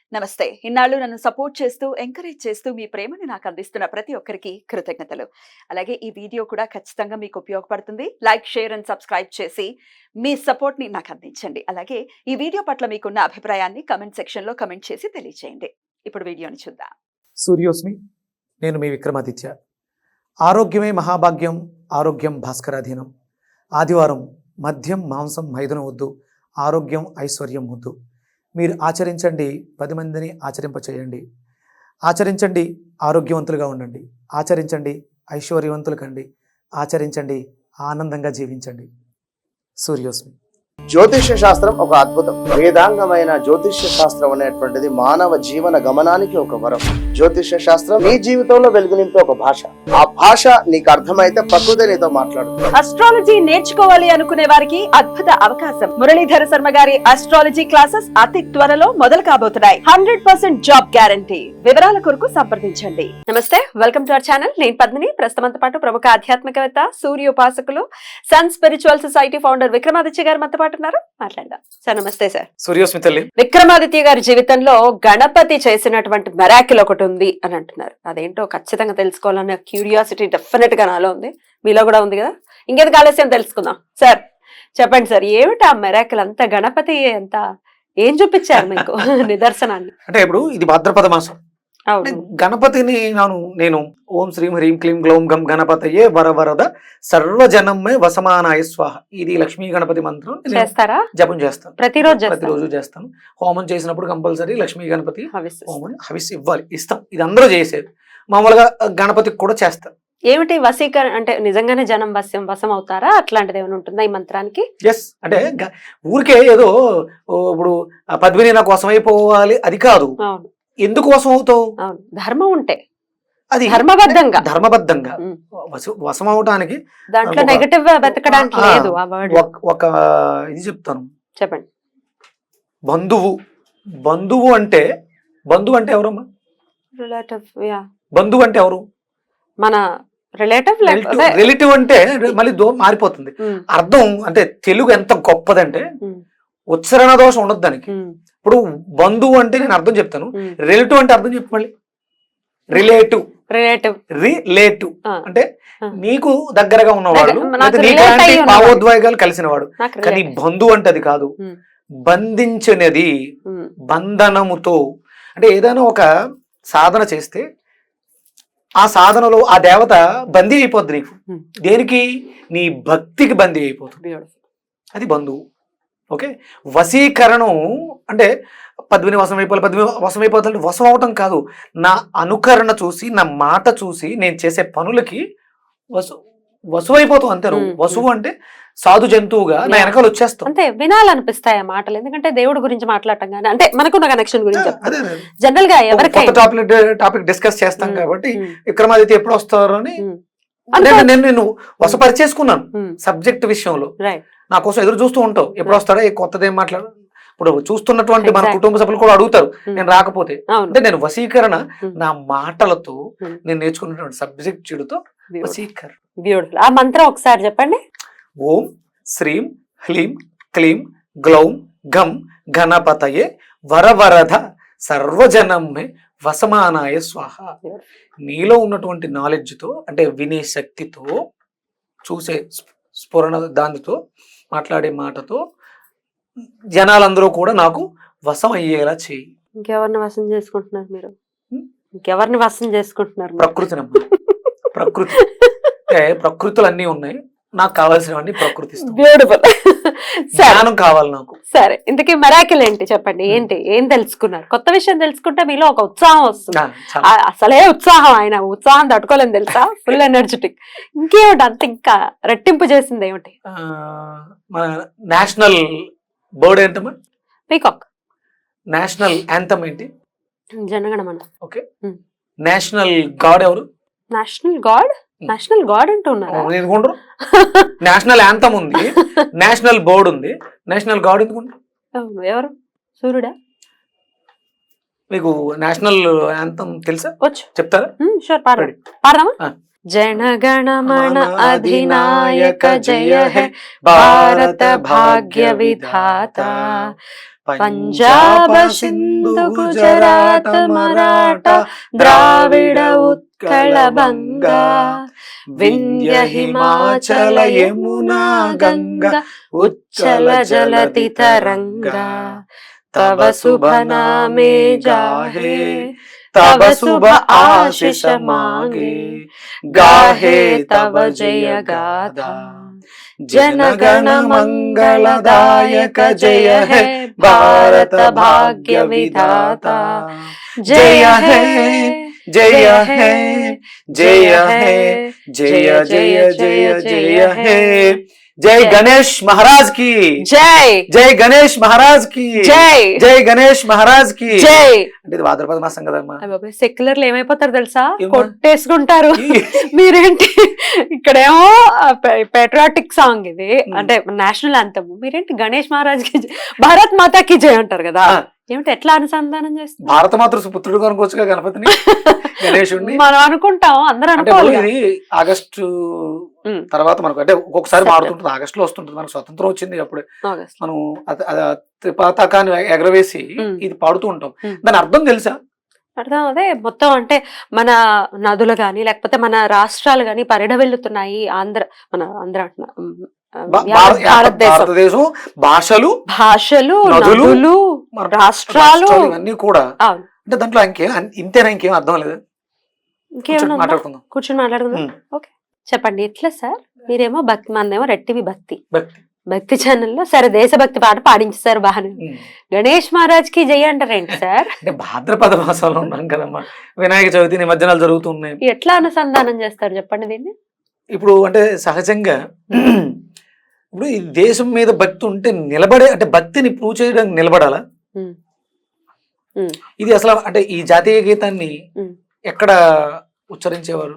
నమస్తే. ఇన్నాళ్ళు నన్ను సపోర్ట్ చేస్తూ, ఎంకరేజ్ చేస్తూ మీ ప్రేమని నాకు అందిస్తున్న ప్రతి ఒక్కరికి కృతజ్ఞతలు. అలాగే ఈ వీడియో కూడా ఖచ్చితంగా మీకు ఉపయోగపడుతుంది. లైక్, షేర్ అండ్ సబ్స్క్రైబ్ చేసి మీ సపోర్ట్‌ని నాకు అందించండి. అలాగే ఈ వీడియో పట్ల మీకున్న అభిప్రాయాన్ని కామెంట్ సెక్షన్‌లో కామెంట్ చేసి తెలియజేయండి. ఇప్పుడు వీడియోని చూద్దాం. సూర్యోస్మి, నేను మీ విక్రమాదిత్య. ఆరోగ్యమే మహాభాగ్యం, ఆరోగ్యం భాస్కరాధీనం. ఆదివారం మద్యం, మాంసం, మైదనం వద్దు, ఆరోగ్యం, ఐశ్వర్యం వద్దు. మీరు ఆచరించండి, 10 మందిని ఆచరింపచేయండి. ఆచరించండి, ఆరోగ్యవంతులుగా ఉండండి. ఆచరించండి, ఐశ్వర్యవంతులు కండి. ఆచరించండి, ఆనందంగా జీవించండి. సూర్యోస్మి. జ్యోతిష్య శాస్త్రం ఒక అద్భుతం. వేదాంగమైన జ్యోతిష్య శాస్త్రం అనేటువంటిది మానవ జీవన గమనానికి ఒక వరం. జ్యోతిష్య శాస్త్రం నీ జీవితంలో వెలుగు నింపే ఒక భాష. ఆ భాష నీకు అర్థమైతే ప్రకృతి నీతో మాట్లాడుతుంది. అస్ట్రాలజీ నేర్చుకోవాలి అనుకునే వారికి అద్భుత అవకాశం. మురళీధర శర్మ గారి అస్ట్రాలజీ క్లాసెస్ అతి త్వరలో మొదలు కాబోతున్నాయి. 100% జాబ్ గ్యారంటీ. వివరాల కొరకు సంప్రదించండి. నమస్తే, వెల్కమ్ టు అవర్ ఛానల్. నేను పద్మిని. ప్రస్తుతంతో పాటు ప్రముఖ ఆధ్యాత్మికవేత్త, సూర్యోపాసకులు, sun spiritual society founder Vikramaditya garu మనతో పాటు ఉన్నారు. మాట్లాడదాం సార్. నమస్తే సార్. సూర్యోస్మి తల్లి. విక్రమాదిత్య గారి జీవితంలో గణపతి చేసినటువంటి మెరాకిల్ ఒకటి ఉంది అని అంటున్నారు. అదేంటో ఖచ్చితంగా తెలుసుకోవాలనే క్యూరియాసిటీ డెఫినెట్ గా నాలో ఉంది, మీలో కూడా ఉంది కదా. ఇంకేది ఆలస్యం తెలుసుకుందాం. సార్ చెప్పండి సార్, ఏమిటి ఆ మెరాకిల్? అంత గణపతి ఎంత ఏం చూపించారు మీకు నిదర్శనాన్ని? అంటే ఇప్పుడు ఇది భాద్రపద మాసం. గణపతిని నేను ఓం శ్రీం హ్రీం క్లీం గ్లౌం గం గణపతయే వరవరద సర్వజనమే వసమానాయ స్వాహ, ఇది లక్ష్మీ గణపతి మంత్రం చేస్తారా? జపం చేస్తాను, ప్రతిరోజు చేస్తాను. హోమం చేసినప్పుడు కంపల్సరీ లక్ష్మీ గణపతి హోమం హవిస్ ఇవ్వాలి, ఇస్తాం. ఇది అందరూ చేసేది. మామూలుగా గణపతికి కూడా చేస్తాం. ఏమిటి వశీకరణ అంటే? నిజంగానే జనం వశం అవుతారా? అట్లాంటిది ఏమైనా ఉంటుందా ఈ మంత్రానికి? ఎస్. అంటే ఊరికే ఏదో ఇప్పుడు పద్మిని నాకు వశం అయిపోవాలి అది కాదు. ఎందుకు వశం అవుతావు? ధర్మం ఉంటే, అది ధర్మబద్ధంగా వశం అవటానికి దాంట్లో నెగటివ్ వెతకడానికి లేదు. ఒక ఇది చెప్తాను, చెప్పండి. బంధువు అంటే ఎవరమ్మా? బంధువు అంటే ఎవరు? మన రిలేటివ్ అంటే మళ్ళీ మారిపోతుంది అర్థం. అంటే తెలుగు ఎంత గొప్పదంటే ఉచ్చారణ దోషం ఉండదు దానికి. ఇప్పుడు బంధువు అంటే నేను అర్థం చెప్తాను, రిలేటివ్ అంటే అర్థం చెప్పు మళ్ళీ. రిలేటివ్ అంటే నీకు దగ్గరగా ఉన్నవాడు, భావోద్వేగాలు కలిసిన వాడు. కానీ బంధువు అంటే అది కాదు. బంధించినది, బంధనముతో. అంటే ఏదైనా ఒక సాధన చేస్తే ఆ సాధనలో ఆ దేవత బందీ అయిపోద్ది నీకు. దేనికి? నీ భక్తికి బందీ అయిపోతుంది. అది బంధువు. ఓకే. వశీకరణం అంటే పద్మిని వశమైపోతాడు. వశం అవటం కాదు, నా అనుకరణ చూసి, నా మాట చూసి నేను చేసే పనులకి వసువైపోతావు అంతే. వసువు అంటే సాధు జంతువుగా నా వెనకాల వచ్చేస్తావు. అంటే వినాలనిపిస్తాయి ఆ మాటలు, ఎందుకంటే దేవుడి గురించి మాట్లాడటం కానీ అంటే మనకున్న కనెక్షన్ గురించి జనరల్ గా ఎవరికైనా టాపిక్ డిస్కస్ చేస్తాం కాబట్టి విక్రమాదిత్య ఎప్పుడు వస్తారు అని నేను వశపరిచేసుకున్నాను సబ్జెక్ట్ విషయంలో. నా కోసం ఎదురు చూస్తూ ఉంటావు, ఎప్పుడు వస్తాడో కొత్తది ఏం మాట్లాడు. ఇప్పుడు చూస్తున్నటువంటి మన కుటుంబ సభ్యులు కూడా అడుగుతారు నేను రాకపోతే. అంటే నేను వశీకరణ నా మాటలతో నేను నేర్చుకున్నటువంటి సబ్జెక్ట్ చెడుతో వశీకరణ. బ్యూటిఫుల్. ఆ మంత్రం ఒకసారి చెప్పండి. ఓం శ్రీం హ్లీం క్లీం గ్లౌం గం గణపతయే వరవరద సర్వజనమే వసమానాయ స్వాహ. నీలో ఉన్నటువంటి నాలెడ్జ్తో, అంటే వినే శక్తితో, చూసే స్ఫురణ, దానితో మాట్లాడే మాటతో జనాలందరూ కూడా నాకు వశం అయ్యేలా చేయి. ఇంకెవరిని వశం చేసుకుంటున్నారు మీరు? ఇంకెవరిని వశం చేసుకుంటున్నారు? ప్రకృతినమ్మా. ప్రకృతి ప్రకృతులు అన్నీ ఉన్నాయి, నాకు కావాల్సినవన్నీ ప్రకృతి. బ్యూటిఫుల్. జ్ఞానం కావాలి నాకు. సరే, ఇంతకీ మెరాకిల్ ఏంటి చెప్పండి. ఏం తెలుసుకున్నారు? కొత్త విషయం తెలుసుకుంటే మీలో ఒక ఉత్సాహం వస్తుంది. అసలే ఉత్సాహం, ఆయన ఉత్సాహం తట్టుకోలేని తెలుసా, ఫుల్ ఎనర్జెటిక్. ఇంకేమిటి అంత ఇంకా రెట్టింపు చేసింది ఏమిటి? మన నేషనల్ బర్డ్ ఏంటమ్మా? పీకాక్. నేషనల్ యాంథమ్ ఏంటి? జనగణమన. ఓకే. నేషనల్ గాడ్ ఎవరు? నేషనల్ గాడ్ అంటూ ఉన్నారు. నేషనల్ యాంథమ్ ఉంది, నేషనల్ బర్డ్ ఉంది, నేషనల్ గాడ్ ఎందుకు? ఎవరు? సూర్యుడా? మీకు నేషనల్ యాంథమ్ తెలుసా? వచ్చు. చెప్తారా? షూర్, పాడదామా? जनगणमन अधिनायक जय है भारत भाग्य विधाता పంజాబ సింధు గుజరాత మరాఠ ద్రావిడ ఉత్కళ బంగా వింధ్య హిమాచల యమునా గంగా ఉచ్చల జలతి తరంగా తవ శుభ నామే జాహే తవ శుభ ఆశిష మాంగే గాహే తవ జయ గాథా జనగణ మంగళదాయక జయ హే భారత భాగ్య విధాత జయ హే జయ హే జయ హే జయ జయ జయ జయ హే జై గణేష్ మహారాజ్ కి జై జై గణేష్ మహారాజ్ కి జై జై గణేష్ మహారాజ్ కి జై. అంటే ఇది భాద్రపద మాసం కదమ్మా. సెక్యులర్లు ఏమైపోతారు తెలుసా, కొట్టేసుకుంటారు. మీరేంటి ఇక్కడేమో పేట్రియాటిక్ సాంగ్ ఇది, అంటే నేషనల్ యాంథమ్, మీరేంటి గణేష్ మహారాజ్ కి భారత్ మాతా కి జై అంటారు కదా. ఏమిటి ఎట్లా అనుసంధానం చేస్తారు? భారత మాతృ పుత్రుడు అనుకోవచ్చుగా గణపతిని, గణేశుడిని మనం అనుకుంటాం, అందరూ అనుకోవాలి. ఇది ఆగస్టు తర్వాత మనకు అంటే ఒక్కొక్కసారి మారుతుంటుంది, ఆగస్టు లో వస్తుంటుంది. మనకు స్వతంత్రం వచ్చింది అప్పుడే మనం త్రిపతాకాన్ని ఎగరవేసి ఇది పాడుతూ ఉంటాం. దాని అర్థం తెలుసా? అర్థం అదే మొత్తం, అంటే మన నదులు గాని లేకపోతే మన రాష్ట్రాలు గాని పరిఢవిల్లుతున్నాయి. ఆంధ్ర భారతదేశం భాషలు నదులు రాష్ట్రాలు ఇవన్నీ కూడా. అంటే దాంట్లో ఇంతేనా, ఇంకేం అర్థం లేదు. మాట్లాడుకుందాం, కూర్చొని మాట్లాడుకుందాం. ఓకే చెప్పండి ఎట్లా సార్? మీరేమో భక్తి, మనదేమో రెట్టివి భక్తి ఛానల్లో సరే దేశభక్తి పాట పాడించారు బాగానే. గణేష్ మహారాజ్ కి జై అంటారేంటి సార్? అంటే భాద్రపద మాసంలో ఉన్నాం కదమ్మా, వినాయక చవితి నిమజ్జనాలు జరుగుతున్నాయి. ఎట్లా అనుసంధానం చేస్తారు చెప్పండి దీన్ని? ఇప్పుడు అంటే సహజంగా ఇప్పుడు ఈ దేశం మీద భక్తి ఉంటే నిలబడే, అంటే భక్తిని ప్రూవ్ చేయడానికి నిలబడాలా. ఇది అసలు అంటే ఈ జాతీయ గీతాన్ని ఎక్కడ ఉచ్చరించేవారు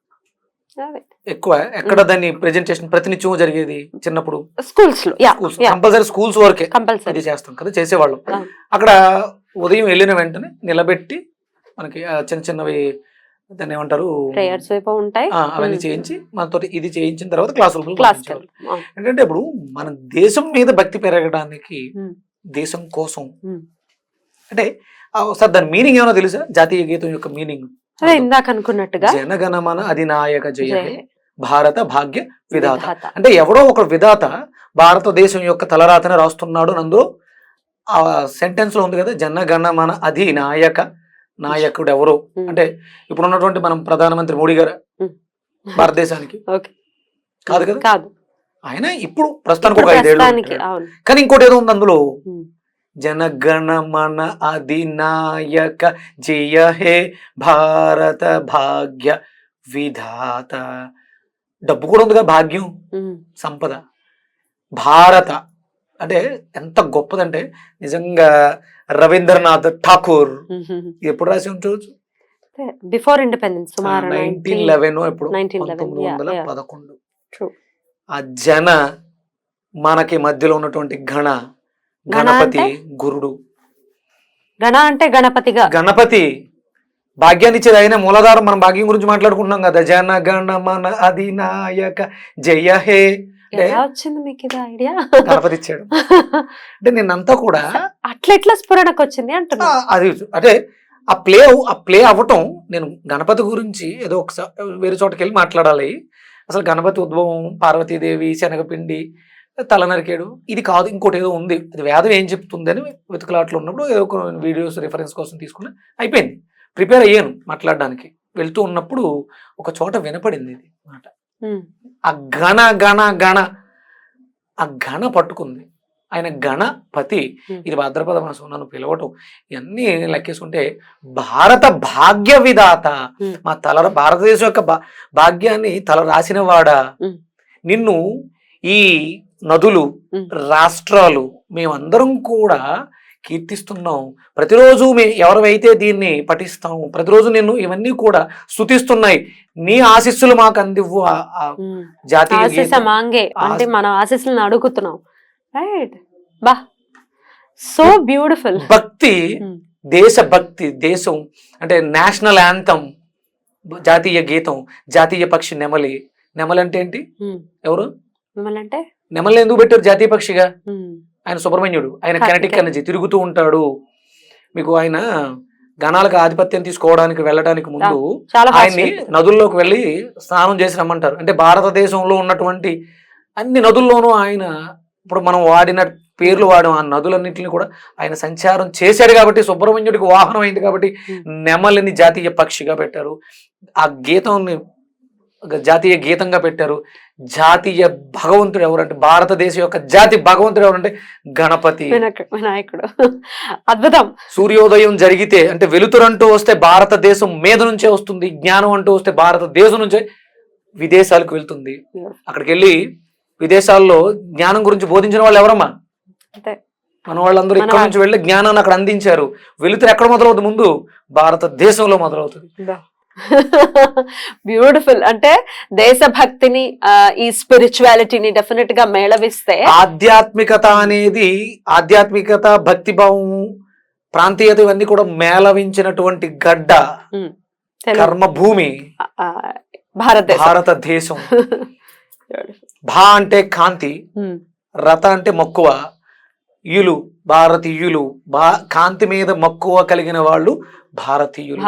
ఎక్కువ? ఎక్కడ దాన్ని ప్రెజెంటేషన్ ప్రతినిత్యం జరిగేది చిన్నప్పుడు? స్కూల్స్ లో కంపల్సరీ, స్కూల్స్ వరకే అది చేస్తాం కదా, చేసేవాళ్ళం. అక్కడ ఉదయం వెళ్ళిన వెంటనే నిలబెట్టి మనకి చిన్న చిన్నవి దాన్ని ఏమంటారు ఉంటాయి, అవన్నీ చేయించి మనతో ఇది చేయించిన తర్వాత క్లాసులు. ఏంటంటే ఇప్పుడు మన దేశం మీద భక్తి పెరగడానికి, దేశం కోసం అంటే సార్ దాని మీనింగ్ ఏమైనా తెలుసా? జాతీయ గీతం యొక్క మీనింగ్ ఇందాక అనుకున్నట్టుగా జనగణమన అధినాయక జయ భారత భాగ్య విధాత. అంటే ఎవడో ఒక విధాత భారతదేశం యొక్క తలరాతని రాస్తున్నాడు. అందులో ఆ సెంటెన్స్ లో ఉంది కదా, జనగణమన అధినాయక. నాయకుడు ఎవరు అంటే ఇప్పుడు ఉన్నటువంటి మనం ప్రధానమంత్రి మోడీ గారు భారతదేశానికి కాదు కదా, కాదు. ఆయన ఇప్పుడు ప్రస్తుతానికి ఒక 5 ఏళ్ళు. కానీ ఇంకోటి ఏదో ఉంది అందులో, జనగణమన అధినాయక జయ హే భారత భాగ్య విధాత. డబ్బు కూడా ఉంది కదా, భాగ్యం, సంపద. భారత అంటే ఎంత గొప్పదంటే నిజంగా రవీంద్రనాథ్ ఠాకూర్ ఎప్పుడు రాసి ఉండొచ్చు, బిఫోర్ ఇండిపెండెన్స్ 1911 ఎప్పుడు 1911. ఆ జన మనకి మధ్యలో ఉన్నటువంటి గణపతి గురుడు. గణ అంటే గణపతిగా, గణపతి భాగ్యాన్ని ఇచ్చేది ఆయన మూలాధారం. మనం భాగ్యం గురించి మాట్లాడుకుంటున్నాం కదా, జన గణ మన అధినాయక జయ హే. వచ్చింది మీకు ఇది ఐడియా? గణపతి ఇచ్చాడు. అంటే నిన్నంతా కూడా అట్లా స్ఫురణకు వచ్చింది అంటున్నా. అది అంటే ఆ ప్లే అవ్వటం. నేను గణపతి గురించి ఏదో ఒకసారి వేరే చోటకి వెళ్ళి మాట్లాడాలి. అసలు గణపతి ఉద్భవం పార్వతీదేవి, శనగపిండి, తల నరికేడు, ఇది కాదు, ఇంకోటి ఏదో ఉంది. అది వేదం ఏం చెప్తుంది అని వెతుకులాట్లో ఉన్నప్పుడు ఏదో ఒక వీడియోస్ రిఫరెన్స్ కోసం తీసుకుని అయిపోయింది. ప్రిపేర్ అయ్యాను మాట్లాడడానికి. వెళ్తూ ఉన్నప్పుడు ఒక చోట వినపడింది ఇది మాట. ఆ గణ గణ గణ ఆ గణ పట్టుకుంది. ఆయన గణపతి. ఇది భాద్రపద మాసం నన్ను పిలవటం, ఇవన్నీ లెక్కేసుకుంటే భారత భాగ్య విధాత. మా భారతదేశం యొక్క భాగ్యాన్ని తల రాసిన వాడా. నిన్ను ఈ నదులు, రాష్ట్రాలు, మేమందరం కూడా కీర్తిస్తున్నాం. ప్రతిరోజు ఎవరైతే దీన్ని పఠిస్తాం, ప్రతిరోజు నిన్ను ఇవన్నీ కూడా స్తుతిస్తున్నాయి. నీ ఆశీస్సులు మాకు అందివ్వు. జాతీయ అంటే మన ఆశీస్సులను అడుగుతున్నాం. రైట్, బా, సో బ్యూటిఫుల్. భక్తి, దేశభక్తి, దేశం అంటే నేషనల్ యాంథమ్, జాతీయ గీతం, జాతీయ పక్షి నెమలి. నెమలి అంటే ఏంటి? ఎవరు నెమలి? అంటే నెమలి ఎందుకు పెట్టారు జాతీయ పక్షిగా? ఆయన సుబ్రహ్మణ్యుడు, ఆయన కెనటిక్ ఎనర్జీ తిరుగుతూ ఉంటాడు. మీకు ఆయన గణాలకు ఆధిపత్యం తీసుకోవడానికి వెళ్ళడానికి ముందు ఆయన్ని నదుల్లోకి వెళ్ళి స్నానం చేసి రమ్మంటారు. అంటే భారతదేశంలో ఉన్నటువంటి అన్ని నదుల్లోనూ ఆయన, ఇప్పుడు మనం వాడిన పేర్లు వాడడం ఆ నదులన్నింటినీ కూడా ఆయన సంచారం చేశాడు కాబట్టి సుబ్రహ్మణ్యుడికి వాహనం అయింది కాబట్టి నెమలిని జాతీయ పక్షిగా పెట్టారు. ఆ గీతాన్ని జాతీయ గీతంగా పెట్టారు. జాతీయ భగవంతుడు ఎవరంటే, భారతదేశం యొక్క జాతి భగవంతుడు ఎవరంటే గణపతి వినాయకుడు. అద్భుతం. సూర్యోదయం జరిగితే అంటే వెలుతురంటూ వస్తే భారతదేశం మీద నుంచే వస్తుంది, జ్ఞానం అంటూ వస్తే భారతదేశం నుంచే విదేశాలకు వెళ్తుంది. అక్కడికి వెళ్ళి విదేశాల్లో జ్ఞానం గురించి బోధించిన వాళ్ళు ఎవరమ్మా? మన వాళ్ళందరూ ఇక్కడ నుంచి వెళ్ళి జ్ఞానాన్ని అక్కడ అందించారు. వెలుతురు ఎక్కడ మొదలవుతుంది? ముందు భారతదేశంలో మొదలవుతుంది. బ్యూటిఫుల్. అంటే దేశభక్తిని, ఈ స్పిరిచువాలిటీని డెఫినెట్ గా మేళవిస్తే, ఆధ్యాత్మికత అనేది, ఆధ్యాత్మికత, భక్తిభావం, ప్రాంతీయత ఇవన్నీ కూడా మేళవించినటువంటి గడ్డ, కర్మభూమి భారతదేశం. భా అంటే కాంతి, రత అంటే మక్కువ, యులు భారతీయులు, కాంతి మీద మక్కువ కలిగిన వాళ్ళు భారతీయులు.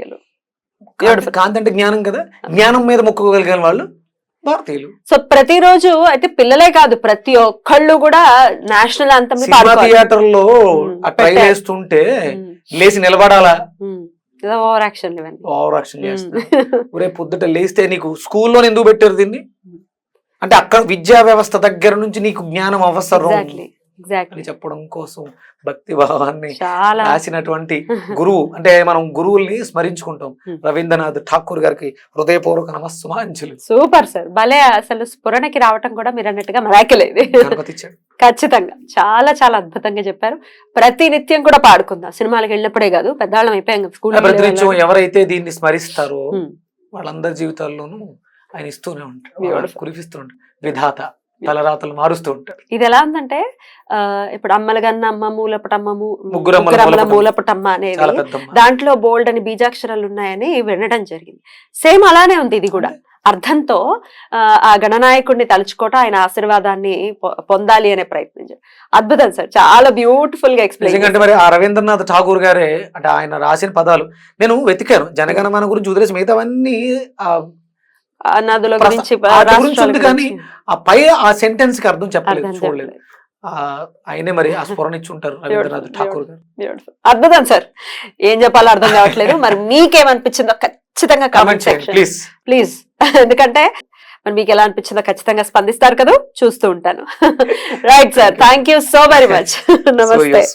కాంతి అంటే జ్ఞానం కదా, జ్ఞానం మీద మక్కువ కలిగిన వాళ్ళు భారతీయులు. సో ప్రతిరోజు అయితే పిల్లలే కాదు, ప్రతి ఒక్కళ్ళు కూడా నేషనల్ అంతం థియేటర్ లో ట్రై చేస్తుంటే లేచి నిలబడాలా, ఓవర్ యాక్షన్ చేస్తున్నా. ఒరే పొద్దుట లేస్తే నీకు స్కూల్లో ఎందుకు పెట్టారు దీన్ని అంటే అక్కడ విద్యా వ్యవస్థ దగ్గర నుంచి నీకు జ్ఞానం అవసరం అని చెప్పడం కోసం భక్తి భావాన్ని రాసినటువంటి గురువు. అంటే మనం గురువుల్ని స్మరించుకుంటాం. రవీంద్రనాథ్ ఠాకూర్ గారికి హృదయపూర్వక నమస్సుమాంజలి. సూపర్ సార్, భలే. అసలు స్ఫురణకి రావటం కూడా మీరు అన్నట్టుగా మరాకిలేదు. ఖచ్చితంగా చాలా చాలా అద్భుతంగా చెప్పారు. ప్రతి నిత్యం కూడా పాడుకుందాం, సినిమాలకు వెళ్ళినప్పుడే కాదు, పెద్దవాళ్ళం అయిపోయాం. ప్రతినిత్యం ఎవరైతే దీన్ని స్మరిస్తారో వాళ్ళందరి జీవితాల్లోనూ ఆయన ఇస్తూనే ఉంటారు, కురిపిస్తూ ఉంటారు. విధాత తలరాతలు మారుస్తూ ఉంటారు. ఇది ఎలా ఉందంటే, ఇప్పుడు అమ్మలగన్న అమ్మ, మూలపటమ్మము, ముగ్గురమ్మల మూలపటమ్మ అనేది దాంట్లో బోల్డ్ అని బీజాక్షరాలు ఉన్నాయని వినడం జరిగింది. సేమ్ అలానే ఉంది ఇది కూడా. అర్థంతో ఆ గణనాయకుడిని తలుచుకోవటం, ఆయన ఆశీర్వాదాన్ని పొందాలి అనే ప్రయత్నించారు. అద్భుతం సార్, చాలా బ్యూటిఫుల్ గా ఎక్స్ప్లెయిన్. అంటే మరి ఆ రవీంద్రనాథ్ ఠాగూర్ గారే అంటే ఆయన రాసిన పదాలు నేను వెతికాను. జనగణమన గురించి వదిలేసి మిగతావన్నీ నదుల గురించి ఉంది కానీ ఆ పై ఆ సెంటెన్స్ కి అర్థం చెప్పలేదు, చూడలేదు. ఆయనే మరి ఆ స్ఫురణ ఇచ్చి ఉంటారు రవీంద్రనాథ్ ఠాకూర్ గారు. అద్భుతం సార్, ఏం చెప్పాలో అర్థం కావట్లేదు. మరి మీకేమనిపించిందో ఖచ్చితంగా కామెంట్ సెక్షన్ ప్లీజ్. ఎందుకంటే మరి మీకు ఎలా అనిపించిందో ఖచ్చితంగా స్పందిస్తారు కదా, చూస్తూ ఉంటాను. Right sir, thank you so very much. నమస్తే.